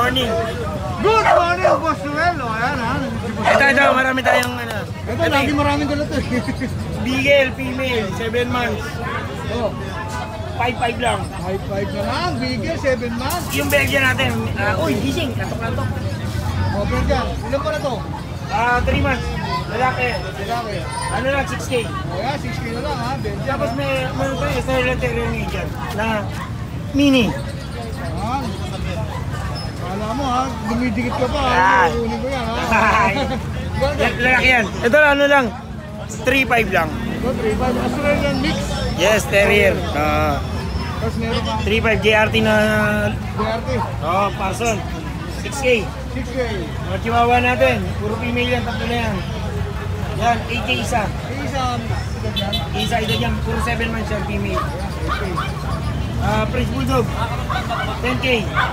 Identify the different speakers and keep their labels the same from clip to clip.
Speaker 1: morning.
Speaker 2: Good morning, Boss Noel. O, ayan ha.
Speaker 1: Ito, marami tayong ano.
Speaker 2: Ito, lagi maraming dala to.
Speaker 1: Beagle, female, 7 months.
Speaker 2: Oh.
Speaker 1: 5'5 lang.
Speaker 2: 5'5 na lang, Beagle, 7 months.
Speaker 1: Yung Belgian natin, uy, gising, katok-katok.
Speaker 2: O, Belgian, ilan pa na to?
Speaker 1: 3 months. Lalaki.
Speaker 2: Lalaki.
Speaker 1: Ano lang, 6K.
Speaker 2: O yan, 6K na lang ha, Belgian.
Speaker 1: Tapos may Australian Terrier Median na mini.
Speaker 2: Ayan. Kala mo ha, dumidikit ka pa ha.
Speaker 1: Ah.
Speaker 2: Kukunin ko yan ha.
Speaker 1: Lalaki yan. Ito ano lang, 3'5 lang.
Speaker 2: Ito, 3'5. Australian mix.
Speaker 1: Yes, Terrier.
Speaker 2: Tapos meron ka.
Speaker 1: 3'5 JRT na,
Speaker 2: BRT.
Speaker 1: Parson. 6K.
Speaker 2: 6K.
Speaker 1: Mga chihuahua natin, puro female yan, tatlo na yan. Yan, 8K isa.
Speaker 2: Isang edad yan.
Speaker 1: Isa yan, puro 7 months yan, female.
Speaker 2: 8K.
Speaker 1: Prince Bulldog, 10K.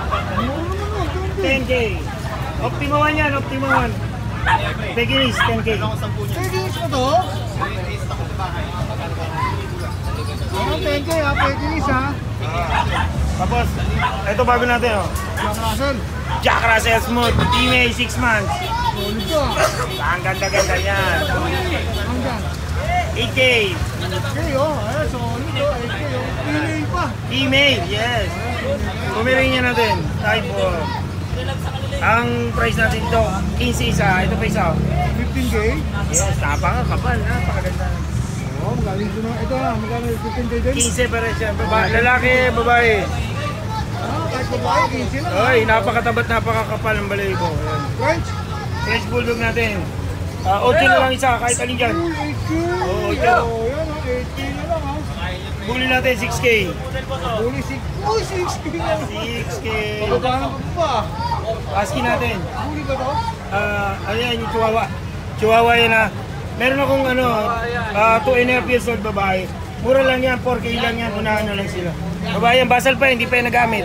Speaker 1: 10K. Optima 1 yan, Optima 1. Pekinese, 10K.
Speaker 2: Pekinese mo to? Ano, 10K ha, Pekinese ha.
Speaker 1: Tapos, ito bago natin oh.
Speaker 2: Jack Russell.
Speaker 1: Jack Russell Smooth, female, 6 months.
Speaker 2: Solid to ha.
Speaker 1: Ang ganda-ganda yan.
Speaker 2: Hanggang.
Speaker 1: 8K.
Speaker 2: 8K oh, ayan, solid to, 8K oh. Female pa.
Speaker 1: Female, yes. Pumirin niya natin. Type of. Ang price natin ito, 15 isa. Ito pa isa.
Speaker 2: 15K.
Speaker 1: Yes, napakakapal. Napakaganda.
Speaker 2: Oh, magaling ko na. Ito ha, magkano 15K din?
Speaker 1: 15 pa rin siya. Lalaki, babae.
Speaker 2: Ah, kahit babae, 15 lang.
Speaker 1: Oy, napakatabat, napakakapal ng balahibo. Ayan.
Speaker 2: French?
Speaker 1: French Bulldog natin. 8 na lang isa, kahit alin dyan.
Speaker 2: 8K.
Speaker 1: Oo, ito.
Speaker 2: Oh, yan ha, 8K na lang ha.
Speaker 1: Bully natin, 6K.
Speaker 2: Bully 6. Oh, 6K na lang.
Speaker 1: 6K.
Speaker 2: Pagkakano ko pa.
Speaker 1: Husky natin.
Speaker 2: Bully ba to?
Speaker 1: Ano yan, yung chihuahua. Chihuahua yan ha. Meron akong 2.5 years old babae. Mura lang yan, 4K lang yan, unahan na lang sila. Babae yan, basal pa, hindi pa yan nagamit.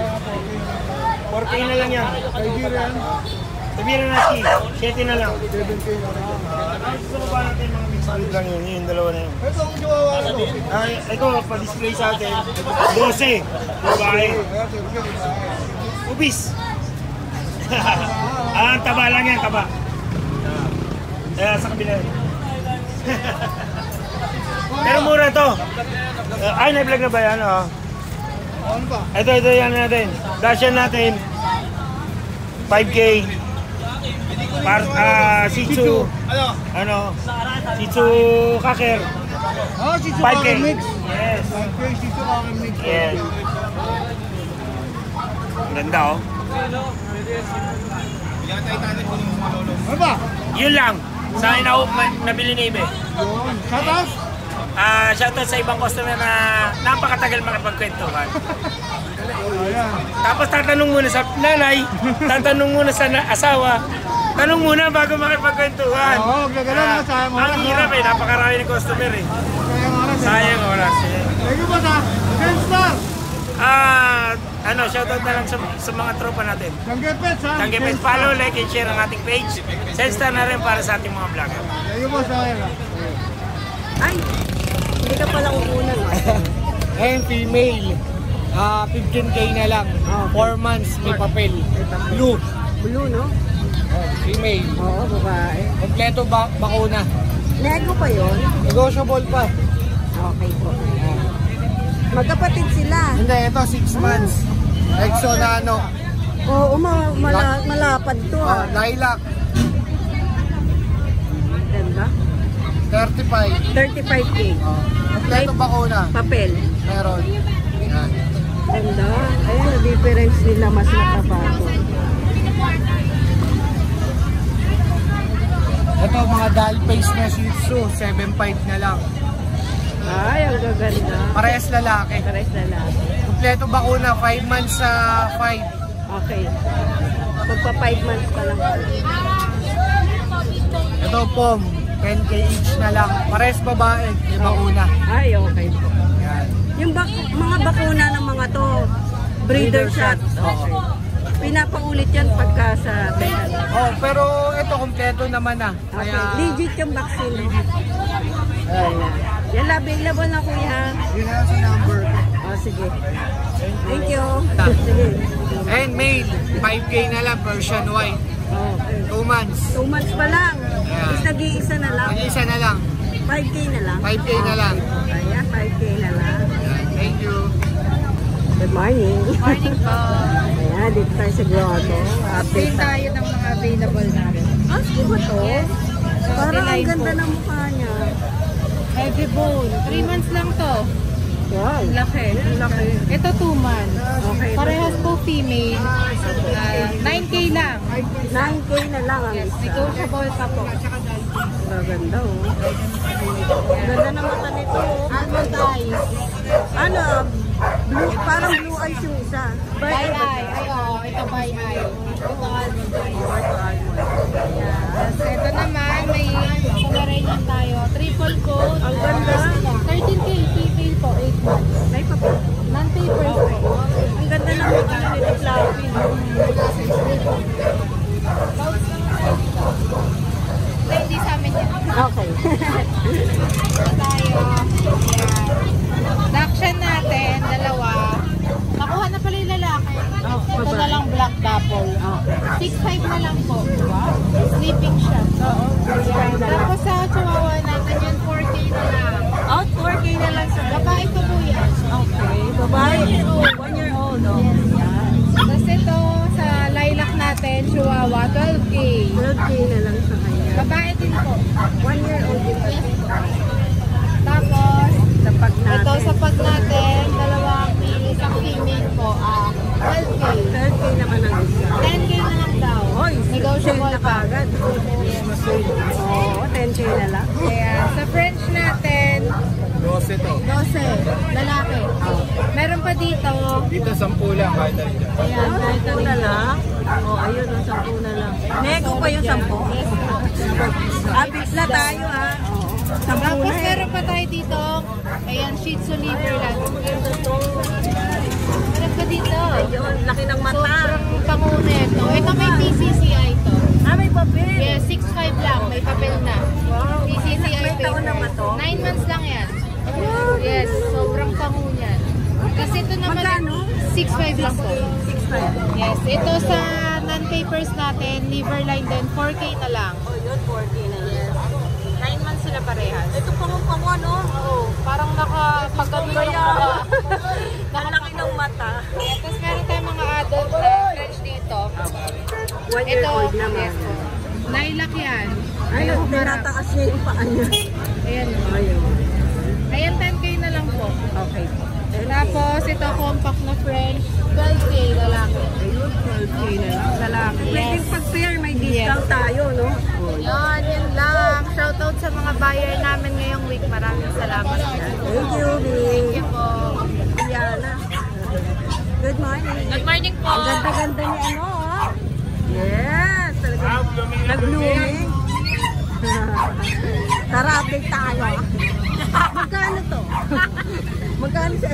Speaker 1: 4K na lang yan.
Speaker 2: Nigerian.
Speaker 1: Sabihin na Husky, 7 na lang.
Speaker 2: 7K na lang.
Speaker 1: Gusto mo ba natin mga mixed breed lang yun, yung dalawa na yun.
Speaker 2: Ito ang chihuahua na to.
Speaker 1: Ito, pa-display sa atin, 12, babae. Ubis. Taba lang yan, taba. Sa kabila. Pero mura to. Ay, na-vlog na ba yan?
Speaker 2: Ano ba?
Speaker 1: Ito yan natin. Dashan natin. 5K. Shih Tzu. Shih Tzu Cocker.
Speaker 2: Ah, Shih Tzu
Speaker 1: 5K.
Speaker 2: Cocker Mix.
Speaker 1: Yes.
Speaker 2: 5K Shih Tzu Cocker Mix.
Speaker 1: Yes. Ang ganda oh.
Speaker 2: Ano ba?
Speaker 1: Yun lang. Sa akin ako nabili ni Ibe.
Speaker 2: Yun. Shoutout?
Speaker 1: Shoutout sa ibang customer na napakatagal makipagkwentuhan.
Speaker 2: Ayan.
Speaker 1: Tapos tatanong muna sa nanay, tatanong muna sa asawa, tanong muna bago makipagkwentuhan.
Speaker 2: Oo, gagano na. Sayang oras.
Speaker 1: Ang hirap eh, napakarami ng customer eh.
Speaker 2: Sayang oras.
Speaker 1: Sayang oras eh.
Speaker 2: Thank you ba sa Senstar?
Speaker 1: Shoutout na lang sa mga tropa natin.
Speaker 2: Tanggepets ha?
Speaker 1: Tanggepets, follow, like, and share ang ating page. Senstar na rin para sa ating mga vlogger.
Speaker 2: Thank you ba sa akin ha?
Speaker 3: Ay, hindi ka pala uunan.
Speaker 4: Ngayon, female. 15K na lang. 4 months, may papel. Blue.
Speaker 3: Blue, no?
Speaker 4: Female.
Speaker 3: Oo, babae.
Speaker 4: Kompleto bakuna.
Speaker 3: Nego pa yon?
Speaker 4: Negotiable pa.
Speaker 3: Okay po. Magkapatid sila.
Speaker 4: Hindi, ito 6 months. Exo na ano.
Speaker 3: Oo, malapad to ha.
Speaker 4: Lilac.
Speaker 3: Ganda.
Speaker 4: 35.
Speaker 3: 35K.
Speaker 4: Kompleto bakuna.
Speaker 3: Papel.
Speaker 4: Meron. Yan.
Speaker 3: Ganda. Ayun, na difference nila mas matabago.
Speaker 4: Ito mga doll face na Shih Tzu. 7.5 na lang.
Speaker 3: Ay, ang gaganda.
Speaker 4: Parehas lalaki.
Speaker 3: Parehas lalaki.
Speaker 4: Kompleto bakuna. 5 months sa 5.
Speaker 3: Okay. Magpa 5 months pa lang.
Speaker 4: Ito pom. 10K each na lang. Parehas babae. May bakuna.
Speaker 3: Ay, okay po.
Speaker 4: Yan.
Speaker 3: Yung mga bakuna ng mga to, breeder shot. Okay. Pinapaulit yan pagka sa vegan.
Speaker 4: Oh, pero ito kompleto naman na.
Speaker 3: Okay.
Speaker 4: Kaya
Speaker 3: Legit yung vaccine. Ayan. Yan, available na kuya.
Speaker 4: yun na sa number.
Speaker 3: Oh, sige. Thank you. Sige.
Speaker 4: And male, 5K na lang, Persian white.
Speaker 3: Okay.
Speaker 4: 2 months.
Speaker 3: 2 months pa lang.
Speaker 4: Yeah.
Speaker 3: Is nag-iisa na lang.
Speaker 4: Mag-isa na lang.
Speaker 3: 5K na lang.
Speaker 4: 5K na lang.
Speaker 3: Ayan, 5K na lang.
Speaker 4: Ayan, thank you.
Speaker 3: Good morning.
Speaker 5: Morning po.
Speaker 3: Ayan, dito tayo sa grotto.
Speaker 5: Update tayo ng mga available namin.
Speaker 3: Ah, sige ba to?
Speaker 5: Yes.
Speaker 3: Parang ang
Speaker 5: Line
Speaker 3: ganda
Speaker 5: po.
Speaker 3: ng mukha niya.
Speaker 5: Heavy bone. 3 months lang to.
Speaker 3: Wow.
Speaker 5: Laki.
Speaker 3: Laki.
Speaker 5: Ito 2 months.
Speaker 3: Okay.
Speaker 5: Parehas po female. 9K lang.
Speaker 3: 9K na lang ang
Speaker 5: Yes,
Speaker 3: isa.
Speaker 5: negotiable pa po.
Speaker 3: Maganda oh. Ganda ng mata nito oh.
Speaker 5: Almond eyes.
Speaker 3: Ano? Blue, parang blue eyes yung isa.
Speaker 5: By eye. Ay, oo. Ito by eye. Ito almond eyes. Yes. Ito naman, may Pomeranian tayo. Triple coat.
Speaker 3: Ang ganda.
Speaker 5: 13K. Female po. 8 months.
Speaker 3: May papel.
Speaker 5: Non-papers po.
Speaker 3: Ang ganda ng mata nito, Flappy.
Speaker 5: Hindi sa amin yan.
Speaker 3: Okay.
Speaker 5: Tayo. Ayan. Dakshan natin, dalawa. Nakuha na pala yung lalaki. Ito
Speaker 3: babae.
Speaker 5: na lang black dapple. 6'5 na lang po. Sleeping siya. Ayan. Tapos sa chihuahua natin yun, 4K na lang.
Speaker 3: Out 4K na lang sa
Speaker 5: Babae ko po yan.
Speaker 3: Okay. Babae. 1 year old. Oh. Yan.
Speaker 5: Tapos ito, sa lilac natin, chihuahua, 12K.
Speaker 3: 12K na lang sa kanya.
Speaker 5: Babae din po.
Speaker 3: 1 year old din.
Speaker 5: Tapos,
Speaker 3: Tapag natin.
Speaker 5: ito sa pag natin, dalawang male, isang female po. 12K.
Speaker 3: 12K naman ang isa.
Speaker 5: 10K na lang daw.
Speaker 3: Hoy,
Speaker 5: Negotiable
Speaker 3: na
Speaker 5: pa.
Speaker 3: kagad. Oo, 10K na lang.
Speaker 5: Kaya sa French natin,
Speaker 4: 12 to.
Speaker 5: 12, lalaki. Meron pa dito,
Speaker 4: Dito 10 lang, kahit na rin.
Speaker 5: ayan, kahit
Speaker 3: 10 na lang. Oo, ayun, 10 na lang. Nego pa yung 10. Abis na tayo ha. Oo. 10
Speaker 5: Tapos
Speaker 3: na eh.
Speaker 5: meron pa tayo dito, ayan, Shih Tzu Liverland. Meron pa dito.
Speaker 3: Ayun, laki ng mata.
Speaker 5: Sobrang pangunit. No? Ito may PCCI to.
Speaker 3: Ah, may papel.
Speaker 5: Yes, 6'5 lang, may papel na.
Speaker 3: Wow.
Speaker 5: PCCI
Speaker 3: May taon na ba to?
Speaker 5: 9 months lang yan. Yes, sobrang pangu niyan. Kasi ito naman,
Speaker 3: Magkano?
Speaker 5: 6'5 lang po.
Speaker 3: 6.5.
Speaker 5: Yes, ito sa non-papers natin, Liverline din, 4K na lang.
Speaker 3: Oh, yun, 4K na lang.
Speaker 5: Yes. 9 months sila parehas.
Speaker 3: Ito pango-pango, no?
Speaker 5: Oo, parang nakapagkabila yung mukha.
Speaker 3: Nalaki ng mata.
Speaker 5: Tapos meron tayong mga adult na French dito.
Speaker 3: 1 year
Speaker 5: Ito,
Speaker 3: old naman.
Speaker 5: yes po. Lilac yan.
Speaker 3: Ayun,
Speaker 5: Ayun, marap.
Speaker 3: tinataas niya yung paa niya.
Speaker 5: Ayan.
Speaker 3: Ayun.
Speaker 5: Ayan, 10K na lang po.
Speaker 3: Okay.
Speaker 5: Tapos, ito compact na French, 12K lalaki.
Speaker 3: Ayun, 12K na lang. Lalaki. Pwedeng pag-pair, may discount tayo, no?
Speaker 5: Yan, yun lang. Shoutout sa mga buyer namin ngayong week. Maraming salamat.
Speaker 3: Thank you, Bing.
Speaker 5: Thank you po.
Speaker 3: Diana. Good morning.
Speaker 5: Good morning po.
Speaker 3: Ang ganda-ganda ni ano, oh. Yes. Talagang nag-blooming. Tara, update tayo. Magkano to? Magkano siya?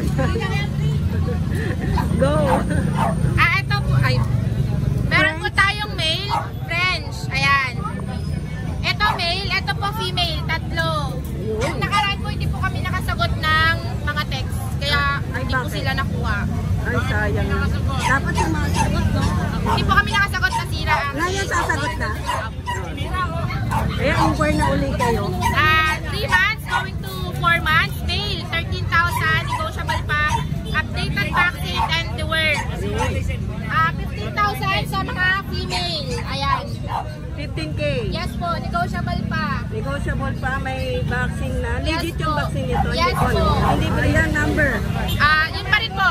Speaker 3: Go.
Speaker 5: Ito po. Ay, meron po tayong male, French. Ayan. Ito male, ito po female. Tatlo. Yung nakaraan po, hindi po kami nakasagot ng mga text. Kaya hindi po
Speaker 3: bakit?
Speaker 5: sila nakuha.
Speaker 3: Ay, sayang. Dapat yung mga sagot, no?
Speaker 5: Hindi po kami nakasagot na sira.
Speaker 3: Ngayon sasagot na. Kaya inquire na uli kayo.
Speaker 5: 3 months going to 4 months. Male, 13,000. Negotiable pa. Updated vaccine and the word. 15,000 sa mga female. Ayan.
Speaker 3: 15K.
Speaker 5: Yes po, negotiable pa.
Speaker 3: Negotiable pa, may vaccine na.
Speaker 5: Yes
Speaker 3: Legit yung
Speaker 5: po.
Speaker 3: vaccine nito.
Speaker 5: Yes
Speaker 3: hindi
Speaker 5: po.
Speaker 3: Hindi ba yan number?
Speaker 5: Yun pa rin po.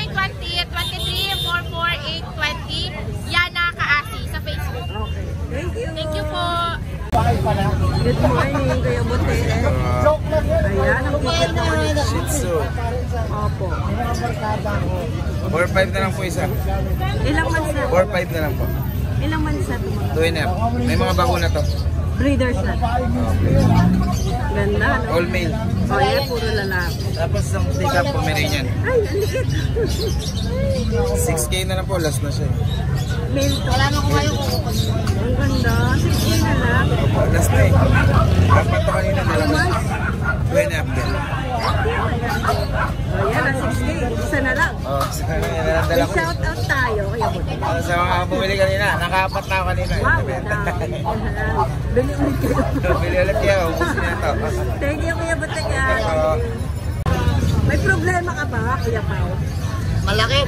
Speaker 5: 0920-23-44-820. Yana Kaasi sa Facebook.
Speaker 3: Okay. Thank you.
Speaker 5: Thank you po.
Speaker 3: Good morning, Kuya Bote. Ayan, ang ticket naman nito.
Speaker 6: Shih Tzu.
Speaker 3: Opo.
Speaker 6: 4-5 na lang po isa.
Speaker 3: Ilang months na?
Speaker 6: 4-5 na lang po.
Speaker 3: Ilang months na ito?
Speaker 6: 2.5. May mga bakuna to.
Speaker 3: Breeders na. Ganda, no?
Speaker 6: All male.
Speaker 3: O, yan, puro lalaki.
Speaker 6: Tapos isang take-up Pomeranian.
Speaker 3: Ay, ang likit.
Speaker 6: 6K na lang po. Last na siya.
Speaker 3: Male to. Wala na ko kayo kukukot. Ang ganda. 16 na lang.
Speaker 6: Last na eh. Dapat to kanina.
Speaker 3: 2 months.
Speaker 6: 2.5 din.
Speaker 3: O yan, 6K. Isa na lang.
Speaker 6: Oh,
Speaker 3: May
Speaker 6: dala ko.
Speaker 3: shout out tayo. Kaya buti.
Speaker 6: Sa mga bumili kanina, nakaapat na ako kanina.
Speaker 3: Wow, bili ulit kayo.
Speaker 6: Bili ulit kayo, ubusin na ito.
Speaker 3: Thank you, Kuya Butega.
Speaker 6: Oo.
Speaker 3: May problema ka ba, Kuya Pao?
Speaker 4: Malaki.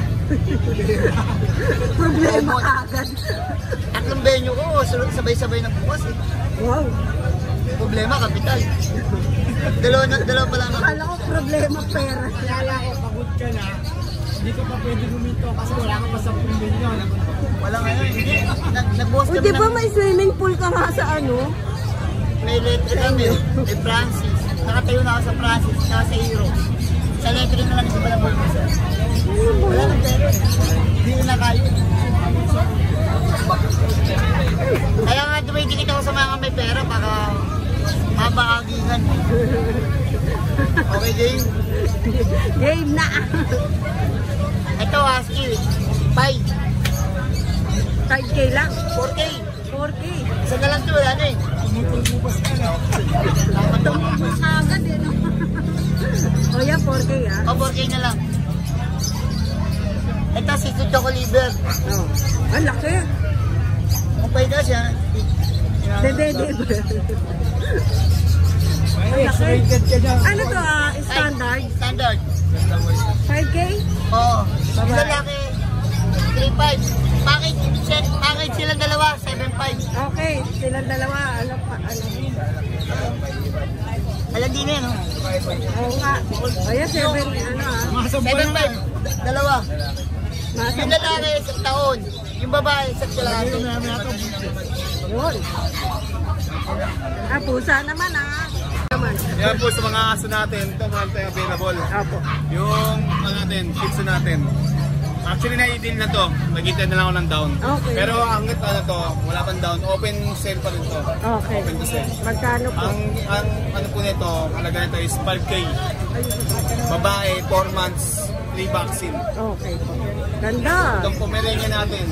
Speaker 3: Problema ka agad.
Speaker 4: Tatlong venue ko, sunod sabay-sabay ng bukas eh.
Speaker 3: Wow.
Speaker 4: Problema, kapital. Dalawa pa lang ako.
Speaker 3: Akala ko problema pera.
Speaker 2: Kaya ko, pagod ka na, hindi ka pa pwede guminto kasi wala kang pa 10 milyon.
Speaker 4: Wala ngayon, hindi. Nagbukas
Speaker 3: O,
Speaker 4: kami
Speaker 3: di ba may swimming pool ka nga sa ano?
Speaker 4: may letter kami, may Francis. Nakatayo na ako sa Francis, sa Hero. Sa letter na lang sa Balabol ko sir. Wala nang pera. Hindi na kayo. Kaya nga dumidikit ako sa mga may pera baka mabakagingan. Okay, game?
Speaker 3: Game na.
Speaker 4: Ito, Husky. 5.
Speaker 3: 5K lang.
Speaker 4: 4K.
Speaker 3: 4K.
Speaker 4: Isa na lang ito, wala na eh.
Speaker 3: Tumubos agad eh, no? O yan, 4K ah.
Speaker 4: O, 4K na lang. Ito, si Choco Liver.
Speaker 3: Oh. Ang laki.
Speaker 4: Kung pwede siya.
Speaker 3: Dede.
Speaker 2: Ay, X-rated ka niya.
Speaker 3: Ano to standard?
Speaker 4: Standard.
Speaker 3: 5K?
Speaker 4: Oo. Yung lalaki, 3.5. Package silang dalawa, 7.5.
Speaker 3: Okay, silang dalawa. Ano pa? Ano?
Speaker 4: Alam din na yun, no?
Speaker 3: Oo nga. Ayan, 7. Ano ah?
Speaker 2: Masang ba naman?
Speaker 4: 7.5. Dalawa. Yung lalaki, 1 taon. Yung babae, 1 kalahati.
Speaker 3: Yun. Pusa naman ah. Naman.
Speaker 7: Yan po sa mga aso natin, ito mga tayo available.
Speaker 3: Apo.
Speaker 7: Yung ano natin, Shih Tzu natin. Actually na-i-deal na to, nag-intend na lang ako ng down.
Speaker 3: Okay.
Speaker 7: Pero hanggat ano to, wala pang down, open sale pa rin to.
Speaker 3: Okay.
Speaker 7: Open to sale.
Speaker 3: Magkano po?
Speaker 7: Ang ano po nito, halaga nito is 5K. Babae, 4 months, 3 vaccine.
Speaker 3: Okay po. Ganda.
Speaker 7: Itong Pomeranian natin.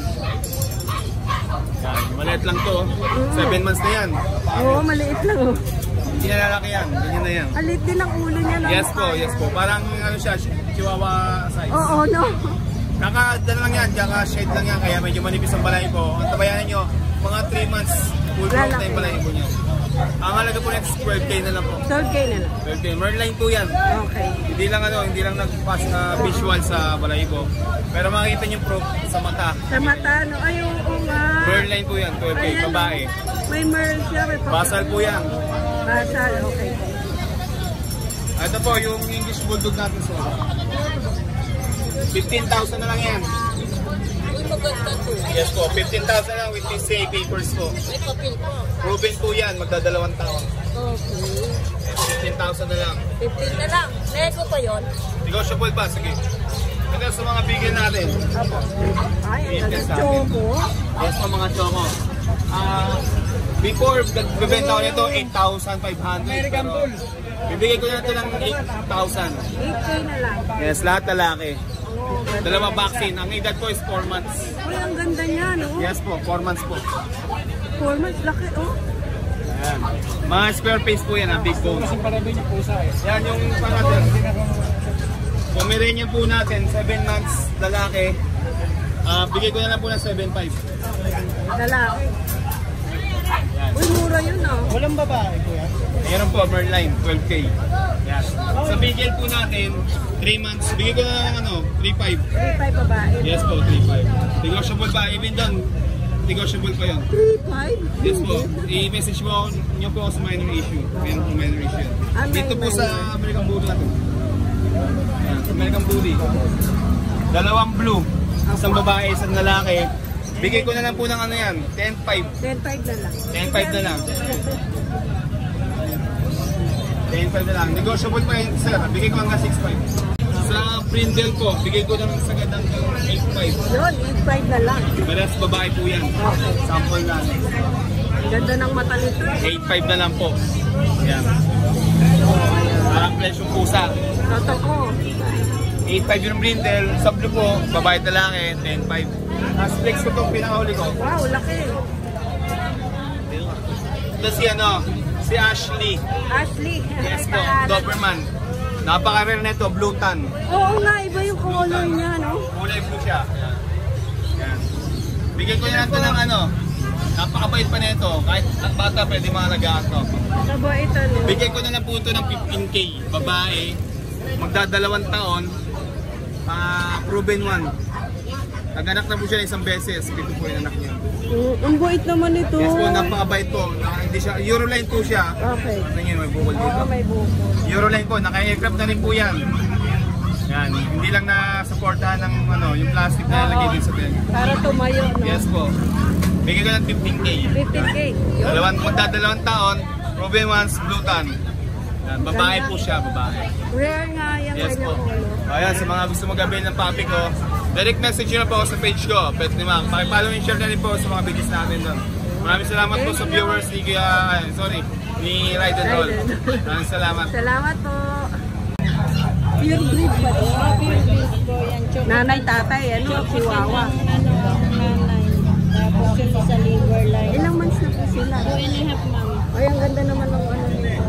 Speaker 7: Yan, maliit lang to. 7 months na yan.
Speaker 3: Oo, maliit lang oh.
Speaker 7: Hindi na lalaki yan, ganyan na yan.
Speaker 3: Alit din ang ulo niya. No?
Speaker 7: Yes po. Parang ano siya, chihuahua size.
Speaker 3: Oo, no.
Speaker 7: Kaka-dala lang yan, kaka-shade lang yan, kaya medyo manipis ang balahibo. Ang tabayanan nyo, mga 3 months, full growth na yung balahibo nyo. Ang halaga po next, 12K na lang po.
Speaker 3: 12K na lang.
Speaker 7: 12K, Merline po yan.
Speaker 3: Okay.
Speaker 7: Hindi lang nag-pass na visual sa balahibo. Pero makikita nyo proof sa mata.
Speaker 3: Sa mata, no? Ay, oo nga.
Speaker 7: Merline po yan, 12K,
Speaker 3: Ayan.
Speaker 7: babae.
Speaker 3: May merl siya, may
Speaker 7: Basal po yan.
Speaker 3: Basal, okay.
Speaker 7: Ito po, yung English Bulldog natin sa 15,000 na lang yan. Yes po, 15,000 lang with PCA papers po. Proven po yan, magdadalawang taon.
Speaker 3: Okay.
Speaker 7: 15,000 na lang.
Speaker 3: 15 na lang. Nego pa yun?
Speaker 7: Negotiable pa, sige. Ito sa mga bigyan natin.
Speaker 3: Apo. Ay, ang
Speaker 7: Yes,
Speaker 3: ganda choco.
Speaker 7: Yes po mga choco. Before, nagbibenta ko nito 8,500.
Speaker 2: American Bull.
Speaker 7: Bibigay ko na ito ng 8,000.
Speaker 3: 8K na lang.
Speaker 7: Yes, lahat lalaki.
Speaker 3: Oh, ganda.
Speaker 7: Dalawa vaccine. Ang edad ko is 4 months.
Speaker 3: Uy, ang ganda niya, no?
Speaker 7: Yes po, 4 months po.
Speaker 3: 4 months, laki, oh.
Speaker 7: Ayan. Mga square face po yan, ang big bones.
Speaker 2: Kasi para din yung pusa eh.
Speaker 7: Yan yung pangalan. Pomeranian po natin, 7 months, lalaki. Bigay ko na lang po ng 7.5.
Speaker 3: Lalaki. Uy, mura yun, oh.
Speaker 2: Walang babae ko yan.
Speaker 7: Ayan po, Merline, 12K. Yan. Sa bigel po natin, 3 months, bigay ko na lang ng 3.5.
Speaker 3: 3.5 babae.
Speaker 7: Yes po, 3.5. Negotiable pa, even doon, negotiable pa yun.
Speaker 3: 3.5?
Speaker 7: Yes po, i-message mo nyo po ako sa minor issue. Meron po minor issue yan. Dito po sa American Bully natin. Yan, sa American Bully. Dalawang blue, isang babae, isang lalaki. Bigay ko na lang po ng ano yan, 10.5.
Speaker 3: 10.5 na lang.
Speaker 7: 10.5 na lang. 10.5 na lang. Negotiable pa yun, sir. Bigay ko hanggang 6.5. Sa Brindle po, bigay ko ng sagad ng 8.5.
Speaker 3: Yun, 8.5 na lang.
Speaker 7: Balas babae po yan. Sample na.
Speaker 3: Ganda ng mata nito.
Speaker 7: 8.5 na lang po. Yan. Parang flesh yung pusa.
Speaker 3: Totoo.
Speaker 7: 8.5 yung Brindle. Sa blue po, babae talaki, 10.5. As flex ko itong pinakahuli ko.
Speaker 3: Wow, laki.
Speaker 7: Ito si Ashley.
Speaker 3: Ashley.
Speaker 7: Yes po, Doberman. Napaka-rare nito, blue tan.
Speaker 3: Oo nga, iba yung color niya, no?
Speaker 7: Kulay blue siya. Ayan. Ayan. Bigyan ko na ito ng ano. Napakabait pa nito. Kahit at bata pwede maalagaan to.
Speaker 3: Sabo ito, no?
Speaker 7: Bigyan ko na lang po ito ng 15K. Babae. Magdadalawang taon. Proven one. Nag-anak na po siya isang beses. Ito po yung anak niya.
Speaker 3: Ang bait naman ito.
Speaker 7: Yes po, napakabait po. Hindi siya, Euroline po siya.
Speaker 3: Okay.
Speaker 7: Ito nyo, may bukol dito.
Speaker 3: Oo, may buko.
Speaker 7: Euroline po, naka-aircraft na rin po yan. Yan, hindi lang na-supportahan ng ano, yung plastic na nalagay din sa bed.
Speaker 3: Para tumayo, no?
Speaker 7: Yes po. Bigyan ko ng 15K.
Speaker 3: 15K. Yun.
Speaker 7: Magdadalawang taon, proven ones, blue tan. Yan, babae po siya, babae.
Speaker 3: Rare nga yung
Speaker 7: Yes po.
Speaker 3: kanyang color.
Speaker 7: Ayan, sa mga gusto mag-avail ng puppy ko, direct message nyo na po ako sa page ko, Pet ni Ma'am. Pakipollow and share na rin po sa mga videos namin doon. Maraming salamat po sa viewers ni ni Ride and Roll. Maraming salamat.
Speaker 3: Salamat po. Pure breed ba ito? Pure breed po yan. Nanay, tatay, ano? Chihuahua.
Speaker 8: Nanay. Tapos yung sa liver line.
Speaker 3: Ilang months na po sila?
Speaker 8: 2.5 ma'am.
Speaker 3: Ay, ang ganda naman ng ano nito.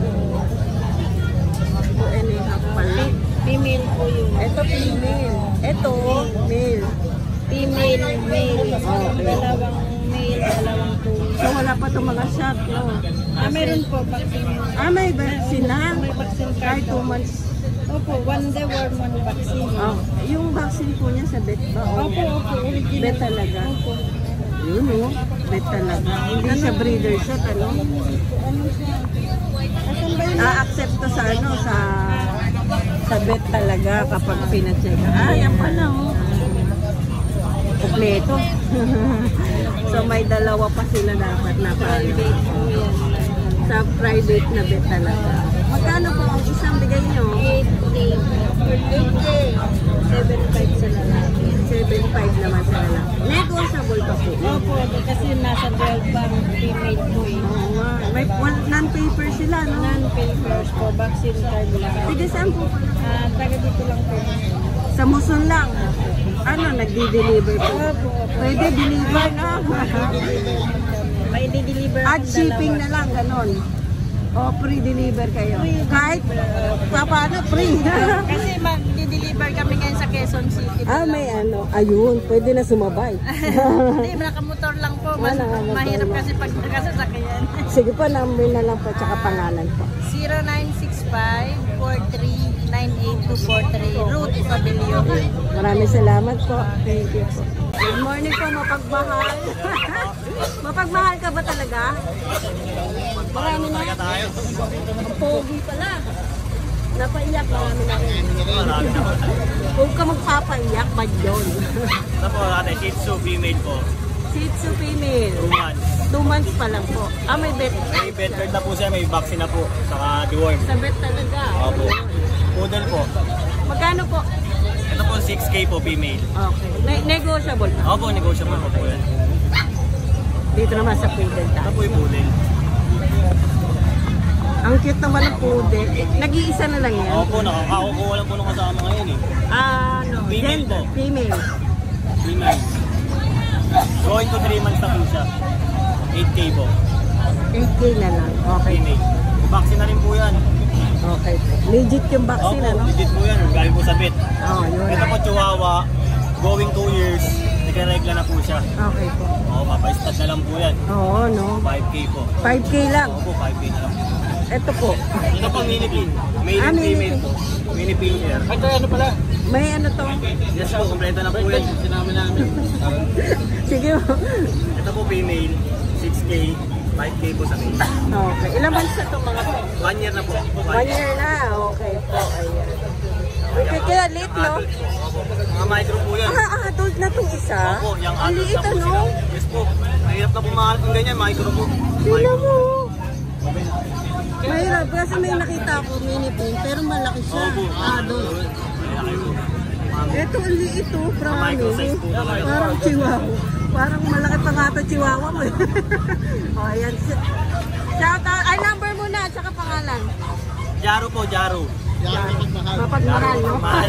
Speaker 3: 2.5 pala.
Speaker 8: Female po yun.
Speaker 3: Ito female. Ito male.
Speaker 8: Female, male.
Speaker 3: Okay.
Speaker 8: Dalawang male, dalawang two.
Speaker 3: So wala pa itong mga shot, no?
Speaker 8: Meron po vaccine.
Speaker 3: May vaccine na?
Speaker 8: May vaccine
Speaker 3: Kahit
Speaker 8: card.
Speaker 3: 2 months.
Speaker 8: Opo, one day worm one vaccine.
Speaker 3: Oh, yung vaccine po niya sa vet ba?
Speaker 8: Opo, original.
Speaker 3: Bet talaga?
Speaker 8: Opo.
Speaker 3: Yun, no? Bet talaga. Hindi siya breeder shot, ano?
Speaker 8: Ano siya? Asan ba yun?
Speaker 3: A-accept to sa ano, sa vet talaga kapag pina-check. Yan pala, oh. Kompleto. So may dalawa pa sila dapat na
Speaker 8: Private po yan.
Speaker 3: sa private na vet talaga. Magkano po ang isang bigay nyo?
Speaker 8: 8K.
Speaker 3: 8K.
Speaker 8: 7.5 sa lalaki.
Speaker 3: 7.5 naman sa lalaki. Negotiable pa po.
Speaker 8: Opo, kasi nasa 12 bang female po eh.
Speaker 3: Oo nga. May non-paper sila, no?
Speaker 8: Non-papers po, vaccine card lang.
Speaker 3: Sige, saan po pala?
Speaker 8: Taga dito lang po.
Speaker 3: Sa Muson lang. Ano, nagdi-deliver po?
Speaker 8: Opo, opo.
Speaker 3: Pwede deliver na.
Speaker 8: May di-deliver
Speaker 3: At shipping na lang, ganon. O, free-deliver kayo. Kahit, paano, free.
Speaker 8: Kasi mag-deliver kami ngayon sa Quezon City.
Speaker 3: May ano, ayun, pwede na sumabay.
Speaker 8: Hindi, nakamotor lang po. Mas
Speaker 3: Nakamotor
Speaker 8: mahirap
Speaker 3: lang.
Speaker 8: kasi pag nakasasakyan.
Speaker 3: Sige po, number na lang po, tsaka pangalan po.
Speaker 8: 0965-43-98243 Route Pavilion.
Speaker 3: Maraming salamat po. Thank you po. Good morning po, mapagmahal. Mapagmahal ka ba talaga? Marami na. Ang pogi pala. Napaiyak, marami na rin. Huwag ka magpapaiyak, bad yun.
Speaker 9: Ito po ate, Shih Tzu female po.
Speaker 3: Shih Tzu female.
Speaker 9: 2 months.
Speaker 3: 2 months pa lang po. May vet.
Speaker 9: May bed card na po siya, may vaccine na po. Saka deworm.
Speaker 3: Sa vet talaga.
Speaker 9: Opo. Poodle po.
Speaker 3: Magkano po?
Speaker 9: Ito po 6K po female.
Speaker 3: Okay. Negotiable pa.
Speaker 9: Opo, negotiable po yan.
Speaker 3: Dito naman sa poodle
Speaker 9: Ito
Speaker 3: tayo.
Speaker 9: po yung poodle.
Speaker 3: Ang cute naman ng poodle. Nag-iisa na lang yan.
Speaker 9: Opo, nakakakukuha lang po nung kasama ngayon eh.
Speaker 3: Ano?
Speaker 9: Female
Speaker 3: Gender.
Speaker 9: po.
Speaker 3: Female.
Speaker 9: Female. Going to 3 months na po siya. 8K po.
Speaker 3: 8K na lang. Okay.
Speaker 9: Female. Vaccine na rin po yan.
Speaker 3: Okay. Legit yung vaccine,
Speaker 9: Opo,
Speaker 3: ano?
Speaker 9: legit po yan. Galing po sa vet.
Speaker 3: Yun.
Speaker 9: Ito po Chihuahua. Going 2 years. Nagkaregla na po siya.
Speaker 3: Okay po.
Speaker 9: Oo, papay-stat na lang po yan.
Speaker 3: Oo, no?
Speaker 9: 5K po.
Speaker 3: 5K lang.
Speaker 9: Opo, 5K na lang.
Speaker 3: Ito po.
Speaker 9: Ito po mini pin. Male and
Speaker 3: mini
Speaker 9: female
Speaker 3: pin.
Speaker 9: po. Mini pin here. Ito ano pala?
Speaker 3: May ano to?
Speaker 9: Yes po, kompleto na po yan. Sinama namin.
Speaker 3: Sige po.
Speaker 9: Ito po female. 6K. 5K po sa male.
Speaker 3: Okay. Ilang months na itong mga to?
Speaker 9: 1 year na po.
Speaker 3: 1 year na. Okay po. Ayan. Okay, kaya late, no?
Speaker 9: Adult po. Opo. Mga micro po yan.
Speaker 3: Adult na itong isa?
Speaker 9: Opo, yung
Speaker 3: Ang
Speaker 9: adult
Speaker 3: liit,
Speaker 9: na po
Speaker 3: ano?
Speaker 9: sila. Yes po. Mahirap na po mahal kung ganyan. Micro po.
Speaker 3: Tingnan mo. Mahirap. Kasi may nakita ako mini pin, pero malaki siya.
Speaker 9: Opo.
Speaker 3: Adult.
Speaker 9: Malaki po.
Speaker 3: Ito, ang liit to.
Speaker 9: Micro size po talaga.
Speaker 3: Parang chihuahua. Parang malaki pa nga ito chihuahua mo. O, ayan. Shout out. Ay, number mo na, tsaka pangalan.
Speaker 9: Jaro po, Jaro.
Speaker 3: Mapagmahal, no?
Speaker 9: Mahal.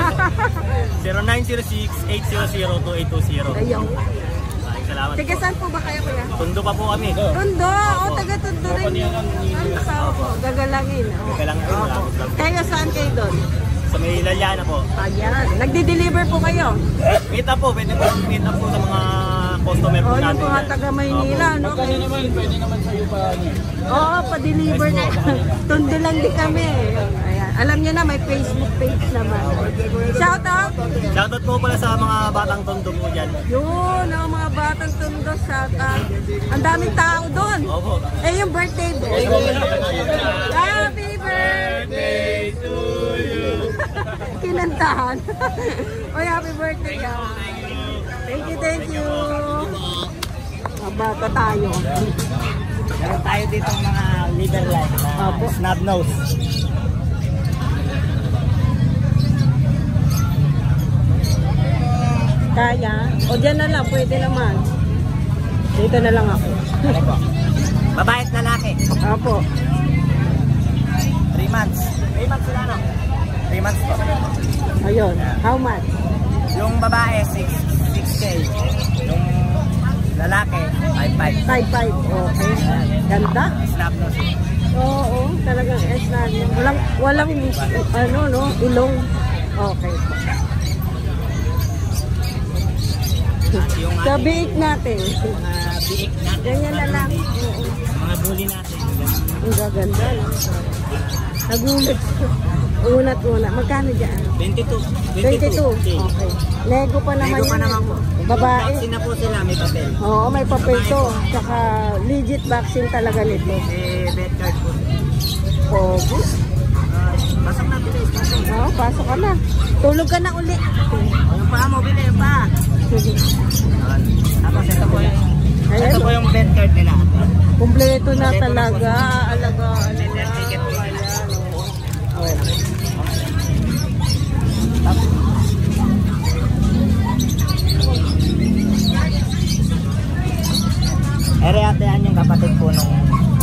Speaker 9: 0906-800-2820.
Speaker 3: Ayaw.
Speaker 9: Maraming salamat
Speaker 3: Taga
Speaker 9: po.
Speaker 3: saan po ba kayo, kuya?
Speaker 9: Tondo pa po kami.
Speaker 3: Tondo. Taga Tondo rin. Opo, gagalangin.
Speaker 9: Gagalangin,
Speaker 3: Opo.
Speaker 9: malapit lang.
Speaker 3: Kayo saan kayo doon?
Speaker 9: Sa may Laliana po.
Speaker 3: Ayan. Nagde-deliver po kayo?
Speaker 9: Kita po, pwede po kita po sa mga customer po
Speaker 3: Yung
Speaker 9: natin.
Speaker 3: mga taga Maynila, no?
Speaker 2: Magkano naman, pwede naman sa'yo pa ano.
Speaker 3: Oo, pa-deliver na. Tundo lang din kami. Ayan. Alam niyo na, may Facebook page naman. Shout out!
Speaker 9: Shoutout po pala sa mga batang tondo po dyan.
Speaker 3: Yun, ang mga batang Tondo, shout out. Ang daming tao doon.
Speaker 9: Opo.
Speaker 3: Eh, yung birthday mo. Happy birthday to you. Kinantahan. Oy, happy birthday ka. Thank you, thank you. Bata tayo.
Speaker 9: Meron tayo dito mga liver line na
Speaker 3: Opo.
Speaker 9: snub nose.
Speaker 3: Kaya? O dyan na lang, pwede naman. Dito na lang ako.
Speaker 9: Ano po? Babae at lalaki.
Speaker 3: Opo.
Speaker 9: 3 months. 3 months sila no? 3 months po.
Speaker 3: Ayun. How much?
Speaker 9: Yung babae 6K. Yung lalaki 5'5".
Speaker 3: 5'5". Okay. Ganda.
Speaker 9: Snub nose.
Speaker 3: Oo, talagang S na. Walang ano, no? Ilong. Okay.
Speaker 9: Yung
Speaker 3: Sa biik natin.
Speaker 9: biik na.
Speaker 3: Ganyan na lang. Oo.
Speaker 9: Mga bully natin.
Speaker 3: Ang gaganda. No? Nagulat. Unat-una. Magkano dyan?
Speaker 9: 22.
Speaker 3: 22. Okay. Lego pa naman
Speaker 9: Lego pa
Speaker 3: yan.
Speaker 9: naman po.
Speaker 3: Babae.
Speaker 9: Vaccine na po sila, may papel.
Speaker 3: Oo, may papel to. Tsaka legit vaccine talaga nito.
Speaker 9: Bed card po.
Speaker 3: Pogo.
Speaker 9: Pasok na bilis.
Speaker 3: Oo, pasok ka na. Tulog ka na uli.
Speaker 9: Yung pa mo, bili yung pa. Tapos ito po yung
Speaker 3: Ayan,
Speaker 9: ito po yung bed card nila.
Speaker 3: kumpleto na talaga. Alagaan nila.
Speaker 9: Ticket po nila.
Speaker 3: Ayan, oo.
Speaker 9: Ere-atean yung kapatid po nung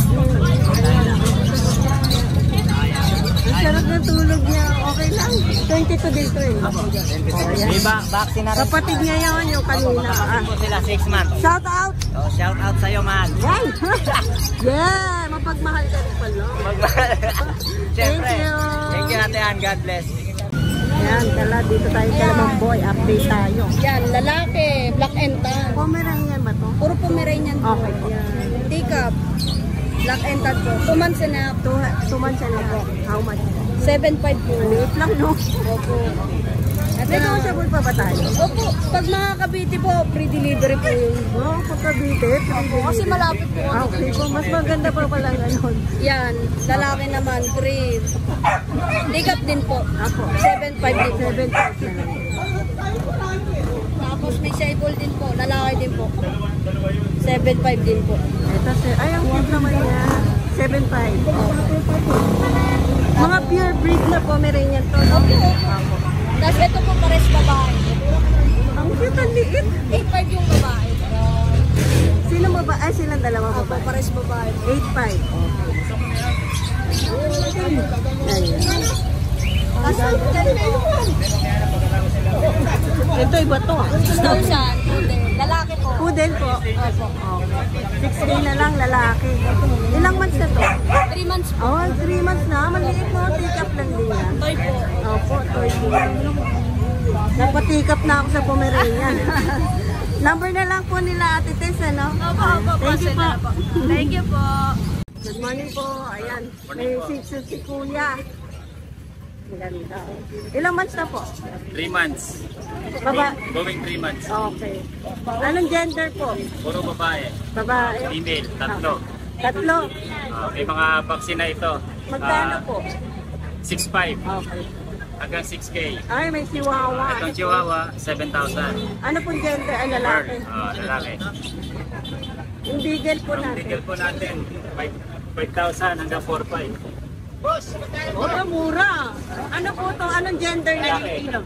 Speaker 3: Ang sarap ng tulog niya. Okay lang. 22 din to eh.
Speaker 9: may vaccine na rin.
Speaker 3: Kapatid niya yun, yung kanina.
Speaker 9: Kapatid po sila 6 months.
Speaker 3: Shout out!
Speaker 9: So, shout out sa'yo, man.
Speaker 3: Yan! Yeah! Mapagmahal ka rin pala.
Speaker 9: Siyempre.
Speaker 3: Thank you.
Speaker 9: Thank you, Atean. God bless.
Speaker 3: Yan, tala, dito tayo kay Ma'am Boy. Update tayo.
Speaker 8: Yan, lalaki, black and tan.
Speaker 3: Pomeranian ba to?
Speaker 8: Puro Pomeranian po.
Speaker 3: Okay po.
Speaker 8: Yan. Teacup, black and tan po. 2 months and a half.
Speaker 3: 2 months na po. How much?
Speaker 8: 7.5 po.
Speaker 3: Maliit lang, no?
Speaker 8: Opo.
Speaker 3: Negotiable pa ba tayo?
Speaker 8: Opo, pag mga Cavite po, free delivery po yun.
Speaker 3: Oo, pagkabitip.
Speaker 8: Kasi malapit po.
Speaker 3: Okay po, mas maganda pa pala ganon.
Speaker 8: Yan, lalaki naman, free. Teacup din po.
Speaker 3: Ako.
Speaker 8: 7.5 din po.
Speaker 3: 7 na lang.
Speaker 8: Tapos may shaibol din po, lalaki din po. 7.5 din po.
Speaker 3: Ito, sir. Ay, ang cute naman niya. 7.5. Mga pure breed na Pomeranian to. No?
Speaker 8: Opo. Tapos ito po pares babae.
Speaker 3: Ang cute, ang liit.
Speaker 8: 8.5 yung babae.
Speaker 3: Sino ba? Ay, silang dalawa
Speaker 8: Opo,
Speaker 3: babae.
Speaker 8: pares babae.
Speaker 3: 8.5. Ayan. Ito, iba to.
Speaker 8: Persian, lalaki po.
Speaker 3: Poodle po.
Speaker 8: Opo.
Speaker 3: 6K na lang, lalaki. Ilang months na to?
Speaker 8: 3 months po.
Speaker 3: Oh, 3 months na. Maliit mo. Take-up lang din yan.
Speaker 8: Toy po.
Speaker 3: Opo, toy din. Nagpa-take-up na ako sa Pomeranian. Number na lang po nila Ate Tess, ano?
Speaker 8: Opo, opo.
Speaker 3: Thank you po.
Speaker 8: Thank you po.
Speaker 3: Good morning po. Ayan. May si Kuya. Maganda. Ilang months na po?
Speaker 7: 3 months.
Speaker 3: Baba.
Speaker 7: Going 3 months.
Speaker 3: Okay. Anong gender po?
Speaker 7: Puro babae.
Speaker 3: Babae.
Speaker 7: Female, tatlo.
Speaker 3: Tatlo.
Speaker 7: May mga vaccine na ito.
Speaker 3: Magkano po?
Speaker 7: 6'5
Speaker 3: Okay.
Speaker 7: hanggang 6K.
Speaker 3: Ay, may chihuahua.
Speaker 7: Itong Chihuahua, 7,000.
Speaker 3: Ano pong gender? Ay,
Speaker 7: Bird,
Speaker 3: lalaki.
Speaker 7: lalaki.
Speaker 3: Yung beagle po
Speaker 7: Ang
Speaker 3: natin.
Speaker 7: ticket po natin, 5,000 hanggang 4,500.
Speaker 3: Oh, mura. Ano po to? Anong gender na yung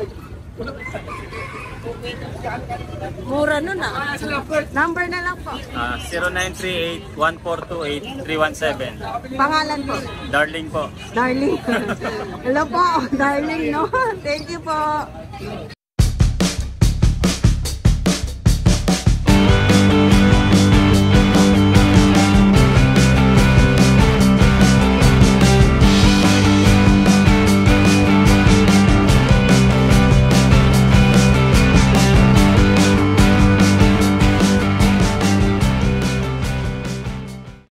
Speaker 3: Mura nun ah. Number na lang po.
Speaker 7: 0938-1428-317.
Speaker 3: Pangalan po.
Speaker 7: Darling po.
Speaker 3: Darling. Hello po, darling, no? Thank you po.